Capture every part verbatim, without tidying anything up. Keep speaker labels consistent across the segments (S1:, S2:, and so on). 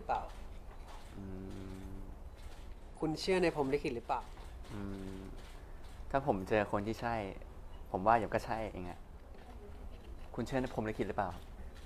S1: เปล่า
S2: อืม
S1: คุณเชื่อในพรหมลิขิตหรือเปล่า
S2: อืมถ้าผมเจอคนที่ใช่ ผมว่าเดี๋ยวก็ใช่เองอะคุณเชื่อในพรหมลิขิตหรือเปล่า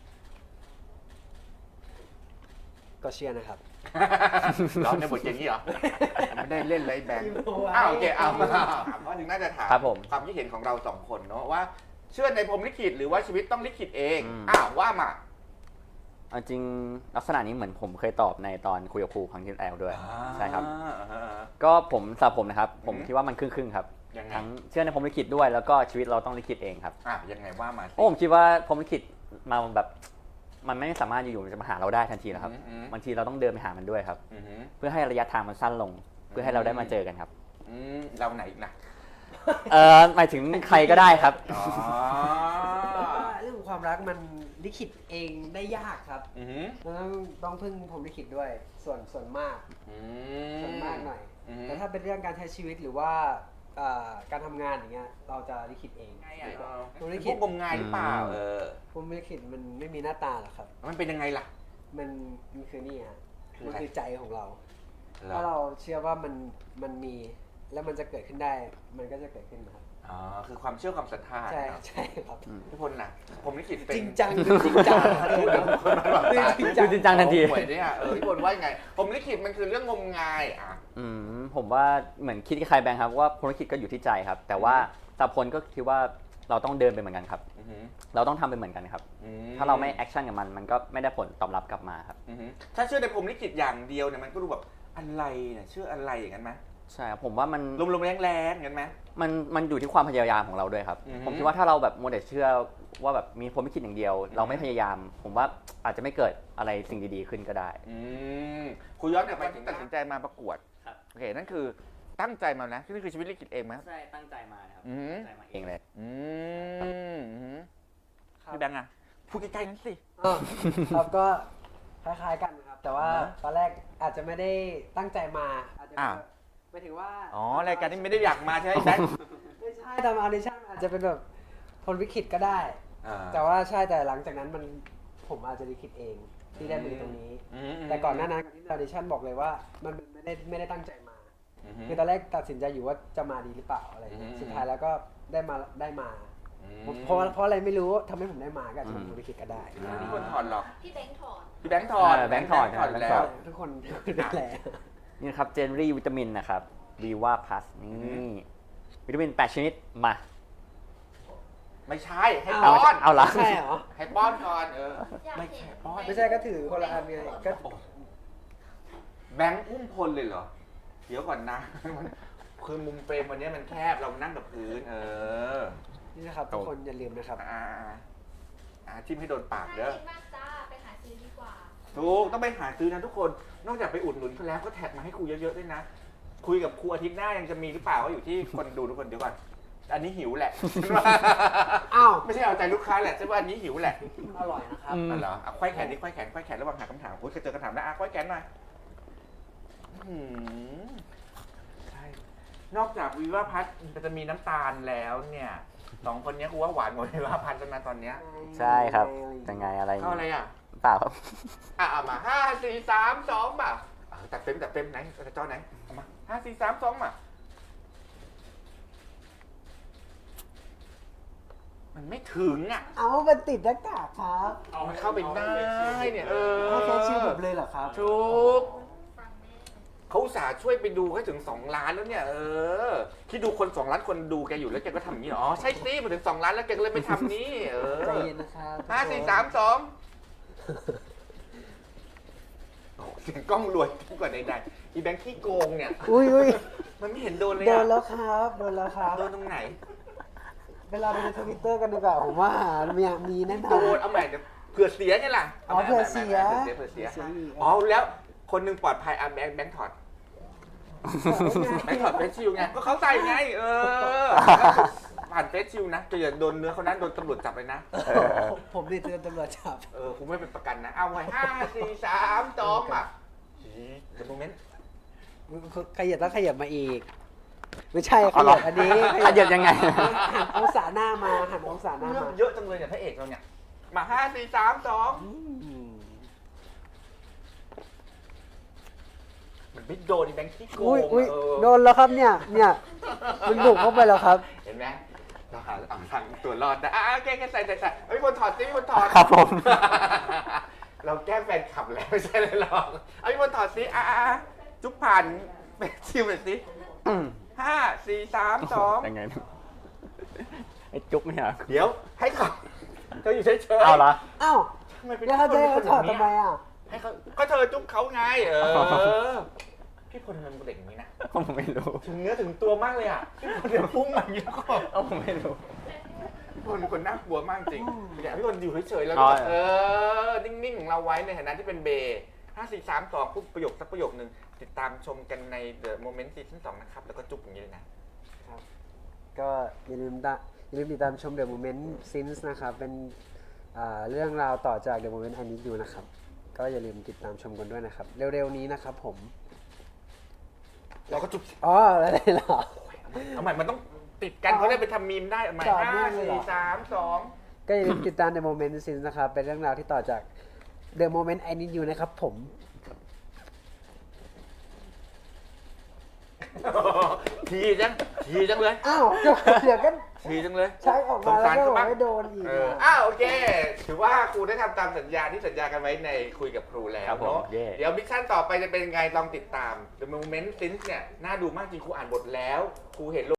S1: ก็เชื่อนะครับ
S3: ร้องในบทอย่างนี้เหรอ ไม่ได้เล่นเลยแบงค์
S1: ยิ้มเอาไว้
S3: อ้าวโอเคเอามาถามว่าถึงน่าจะถาม
S2: ครับผม
S3: ความคิดเห็นของเราสองคนเนาะว่า เชื่อในพรหมลิขิตหรือว่าชีวิตต้องลิขิตเอง
S2: อืม
S3: อ้าวว่ามา
S2: เอาจริงลักษณะนี้เหมือนผมเคยตอบในตอนคุยกับครูครั้งที่แล้วด้วย ใช่ครับ
S3: อ่าฮะ
S2: ก็ผมสำหรับผมนะครับ ผม
S3: อืม
S2: คิดว่ามันครึ่งๆครับ
S3: ยังไง
S2: ทั้งเชื่อในพรหมลิขิตด้วยแล้วก็ชีวิตเราต้องลิขิตเองครับ
S3: อ่ะยังไงว่ามาสิ
S2: เพราะผมคิดว่าพรหมลิขิตมาแบบมันไม่สามารถอยู่ๆจะมาหาเราได้ทันทีนะครับ
S3: อืมอืม
S2: บางทีเราต้องเดินไปหามันด้วยครับ
S3: อือหือ
S2: เพื่อให้ระยะทางมันสั้นลง เพื่อให้เราได้มาเจอกันครับ
S3: อืมเราไหนอีกนะ
S2: เออหมายถึงใครก็ได้ครับ
S3: อ๋อ
S1: ว่าเรื่องของความรักมันลิขิตเองได้ยากครับ
S3: อือหือ
S1: เราต้องต้องพึ่งพรหมลิขิตด้วยส่วนส่วนมาก
S3: อื
S1: ส่วนมากหน่อย
S3: อืม
S1: แต่ถ้าเป็นเรื่องการใช้ชีวิตหรือว่าเอ่อการทำงานอย่างเงี้ยเราจะลิขิตเอง
S3: ไงอ่ะ
S1: พรหมลิ
S3: พ
S1: ขิ
S3: ว
S1: ต
S3: กงมงายหรือเปล่า
S2: อืม
S3: เออ
S1: พรหมลิขิตมันไม่มีหน้าตาหรอกครับ
S3: มันเป็นยังไงล่ะ
S1: มันมันคือนี่ฮะ
S3: คือ
S1: มัน
S3: อะไร
S1: คือใจของเรา
S3: เหรอ
S1: ถ้าเราเชื่อว่ามันมันมีแล้วมันจะเกิดขึ้นได้ มันก็จะเกิดขึ้นนะครับ
S3: อ๋อคือความเชื่อความศรัทธา
S1: ใช่
S3: เนอะ
S1: ใช่ครับ
S3: ทุกคนนะผมลิขิตเป็น
S1: จริงจังดูจริงจังเลยนะ
S2: จริงจังทันที
S3: หวยเนี่ยเออพี่พลว่ายังไง ผมลิขิตมันคือเรื่องงมงายอ่ะ
S2: อืมผมว่าเหมือนคิดคล้ายๆแบงค์ครับว่าพรหมลิขิตก็อยู่ที่ใจครับ แต่ว่าสำหรับพลก็คิดว่าเราต้องเดินไปเหมือนกันครับ
S3: อือหือ
S2: เราต้องทำไปเหมือนกันครับ
S3: อื
S2: ถ้าเราไม่แอคชั่นกับมันมันก็ไม่ได้ผลตอบรับกลับมาครับ
S3: อือหือถ้าเชื่อในผมลิขิตอย่างเดียวเนี่ยมันก็ดูแบบอะไรเนี่ยเชื่ออะไรอย่างนั้นไหม
S2: ใช่ครับผมว่ามัน
S3: ลมๆแรงๆอย่างนั้นไหม
S2: มันมันอยู่ที่ความพยายามของเราด้วยครับ
S3: อือฮึ
S2: ผมคิดว่าถ้าเราแบบโมเดลเชื่อว่าแบบมีพรหมลิขิตอย่างเดียว
S3: อือฮึ
S2: เราไม่พยายาม ผมว่าอาจจะไม่เกิดอะไรสิ่งดีๆขึ้นก็ได้
S3: อืมคุยย้อนกลับไปที่ตัดสินใจมาประกวด
S2: ครับ
S3: โอเคนั่นคือตั้งใจมานะนี่คือชีวิตลิขิตเองไหม
S2: ใช่ตั้งใจมาครับ
S3: อือฮึ
S2: ตั้งใจมาเองเลย
S3: อืมอือหือ
S1: ครับ
S3: พี่แบงค์อะพูดใกล้ๆนั้นสิ
S1: เออครับก็คล้ายๆกันนะครับ แต่ว่า
S3: อ่าฮะ
S1: ตอนแรกอาจจะไม่ได้ตั้งใจมาอาจจะ
S3: อ้าว
S1: หมายถึงว่า
S3: อ๋อรายการนี้ไม่ได้อยากมาใช่ไหมแบงค์
S1: ไม่ใช่ทำออดิชั่นอาจจะเป็นแบบพรหมลิขิตก็ได้
S3: อ่า
S1: แต่ว่าใช่แต่หลังจากนั้นมันผมอาจจะลิขิตเองที่ได้มือตรงนี้
S3: อืม
S1: แต่ก่อนหน้านั้นที่ออดิชั่นบอกเลยว่ามันไม่ได้ไม่ได้ตั้งใจมา
S3: อือหือ
S1: คือตอนแรกตัดสินใจอยู่ว่าจะมาดีหรือเปล่าอะไรอย่างเงี้ย
S3: อืม
S1: สุดท้ายแล้วก็ได้มาได้มา
S3: อืม
S1: เพราะว่าเพราะอะไรไม่รู้ทำให้ผมได้มาก็อาจจะเป็นพรหมลิขิตก็ได้
S3: ไม่มีคนถอดหรอก
S4: พี่แบงค์ถอน
S3: พี่แบงค์ถอด
S2: เออแบงค์ถอด
S3: ถอด
S2: แบงค์
S3: แล้
S2: ถ
S3: ว
S2: อด
S1: ทุกคนนั่นแหละ
S2: นี่นะครับเจนรี่วิตามินนะครับวีว่าพลัสนี่
S3: อืม
S2: วิตามินแปดชนิดมา
S3: ไม่ใช่ให้
S1: เอา
S3: ป้อน
S2: เอาละ
S1: ใช่เหรอ
S3: ให้ป้อนก่อนเออ
S4: อยาก
S3: ไม่
S4: เห็
S3: ใช่
S4: น
S3: ป้อน
S1: ไม่ใช่ก็ถือคนละอันไงก็
S3: แบงค์อุ้มพลเลยเหรอ เดี๋ยวก่อนนะ มันคือมุมเฟรมวันนี้มันแคบเรานั่งกับพื้น เออ
S1: นี่นะครับทุกคนอย่าลืมนะครับ
S3: อ่าอ่าทิมให้โดนปาก
S4: น่า
S3: เด้อ
S4: กินมากจ้า ไปหาซื้อดีกว่า
S3: ถูกต้องไปหาซื้อนะทุกคน นอกจากไปอุดหนุนเขาแล้วก็แท็กมาให้ครูเยอะๆด้วยนะ คุยกับครูอาทิตย์หน้ายังจะมีหรือเปล่าก็อยู่ที่คนดูทุกคนเดี๋ยวก่อน อันนี้หิวแหละ
S1: อ้าว
S3: ไม่ใช่เอาใจลูกค้าแหละใช่ว่าอันนี้หิวแหละ
S1: มันอร่อยนะครับ
S2: อืม
S3: อ๋อเหรอเอาควายแขนดิควายแขนควายแขนระหว่างหาคำถามคุณเคยเจอคำถามนะอ่ะควายแขนหน่อยอื้อหือใช่ นอกจากวิวาพัฒน์จะมีน้ำตาลแล้วเนี่ยสองคนเนี้ยกูว่าหวานหมดวิวาพัฒน์แล้วนะตอนเนี้ย
S2: ใช่ครับยังไงอะไร
S3: เข้าอะไรอ่ะ
S2: เปล่าครับ
S3: อ่ะเอามาห้าสี่สามสองมาเอาตัดเต็มตัดเต็มไหนจอไหนเอามาห้าสี่สามสองมามันไม่ถึงอ่ะ
S1: เอามันติดหน้ากากครับ
S3: เอามันเข้าไปได้เนี่ยเออ
S1: ถ้าแค่ชื่อผมเลยเหรอครับ
S3: ถูก
S4: ฟังแม่
S3: เขาอุตส่าห์ช่วยไปดูให้ถึงสองล้านแล้วเนี่ย เออคิดดูคนสองล้านคนดูแกอยู่แล้วแกก็ทำอย่างนี้เหรออ๋อใช่สิมาถึงสองล้านแล้วแกก็เลยไม่ทำนี่เออ
S1: ใจเย็นนะครับ
S3: ห้าสี่สามสองเสียงกล้องรวยยิ่งกว่าใดๆอีแบงค์ขี้โกงเนี่ย
S1: อุ้ยอุ้ย
S3: มันไม่เห็นโดนเลย
S1: โด
S3: อะ
S1: นแล้วครับโดนแล้วครับ
S3: โดนตรงไหน
S1: เวลาดูในทวิตเตอร์กันดีกว่าผมว่ามีมีแน่นอ
S3: โด
S1: น
S3: นเอาใหม่เดี๋ยวเผื่อเสียไงล่ะ
S1: อ๋อเผื่อเสีย
S3: เผื่อเสียเผื่อเสีย
S1: เผื่อเสียอีก
S3: อ๋อแล้วคนหนึงปลอดภัยอ่ะแบงค์แบงค์ถอดแบงค์ถอดเฟซชิลไงก็เขาใส่ไงเออผ่านเฟซชิลนะจะอย่าโดนเนื้อเขานั้นโดนตำรวจจับเลยนะ
S1: ผมผมนี่เตือนตำรวจจับ
S3: เออคุณไม่เป็นประกันนะ เอาไว้ห้าสี่สามสองอ่ะเดี๋ยวโมเมนต์
S1: ขยับแล้วขยับมาอีก ไม่ใช่ข
S2: เอาเหร
S1: ยั
S2: อบ
S1: อันนี้
S2: ขยับยังไง
S1: หันองศาหน้ามาหันองศาหน้า
S3: เรื่อง
S1: มา
S3: เยอะจังเลยเนี่ยพระเอกเราเนี่ย มาห้าสี่สามสอง
S1: อืม
S3: มันไม่โดนไอ้แบงค์ที่โก
S1: อุ้ย
S3: ง
S1: อุ้ย
S3: เออ
S1: โดนแล้วครับเนี่ย เนี่ยมันบุกเข้าไปแล้วครับ
S3: เห็นไหมเราหาเอาทางตัวรอดนะอ่ะโอเคแค่ใส่ใส่ใส่เฮ้ยคนถอดสิคนถอด
S2: ครับผม
S3: เราแก้แฟนขับแล้วไม่ใช่เลยหรอกเอาพี่คนถอดสิอ่ะอ่ะอ่ะจุ๊บผ่านไปชิมหน่อยสิ
S2: อืม
S3: ห้าสี่สามสอง
S2: ยังไงนะไอ้จุ๊บไม่อยาก
S3: เดี๋ยวให้เขาเธออยู่เฉยๆ
S2: เอาละ
S1: อ้าว
S3: ทำไมเป็น
S1: แล้วเขาจะให้
S3: ค
S1: เขา
S3: น
S1: ถอด
S3: ย่าง
S1: ทำ
S3: นี้
S1: ไมอ่ะ
S3: ให้เขาก็เธอจุ๊บเขาไง เออ พี่พลมันเป็นเด็กอย่างนี้นะ
S2: ผมไม่รู้
S3: ถึงเนื้อถึงตัวมากเลยอ่ะพี่พลเดี๋ยวพุ่งมาอย่างนี้แล้วก็
S2: เอาผมไม่รู้
S3: พี่พลเป็นคนน่ากลัวมากจริงอยากให้พี่พลอยู่เฉยๆแล้ว
S2: อ๋
S3: ก็
S2: อ
S3: เออ นิ่งๆของเราไว้ในฐานะที่เป็นเบย์ห้าสี่สามสองพูดประโยคสักประโยคนึงติดตามชมกันใน The Moment Season สองนะครับ แล้วก็จุ๊บอย่างนี้เลยนะ
S1: ก็อย่าลืมตาอย่าลืมติดตามชม The Moment Since นะครับ เป็นอ่าเรื่องราวต่อจาก The Moment I Need You นะครับ ก็อย่าลืมติดตามชมกันด้วยนะครับ เร็วๆนี้นะครับผม
S3: เราก็จุ๊บ
S1: อ๋ออะไรเหรอ
S3: เอาใหม่มันต้องติดกันเขาได้ไปทำมีมได้เอาใหม่
S1: ต่อ
S3: ห้า
S1: เนื่องเลยเหร
S3: สี่
S1: อ
S3: สามสอง
S1: ก็อย่าลืมติดตาม The Moment Since นะครับ เป็นเรื่องราวที่ต่อจาก The Moment I Need You นะครับผม
S3: ทีจังทีจังเลย
S1: อ้าวเดี๋ยวก็
S3: ทีจังเลย
S1: ใช้ออกมาแล้วก็บอกให้โดนอีก
S3: เออ
S1: อ่ะ
S3: อ้าวโอเค ถือว่าครูได้ทำตามสัญญาที่สัญญากันไว้ในคุยกับครูแล้ว
S2: ครับผม
S3: เนาะ
S2: เย่
S3: เดี๋ยวมิชชั่นต่อไปจะเป็นไงลองติดตาม The Moment Since เนี่ยน่าดูมากจริงครูอ่านบทแล้ว ครูเห็น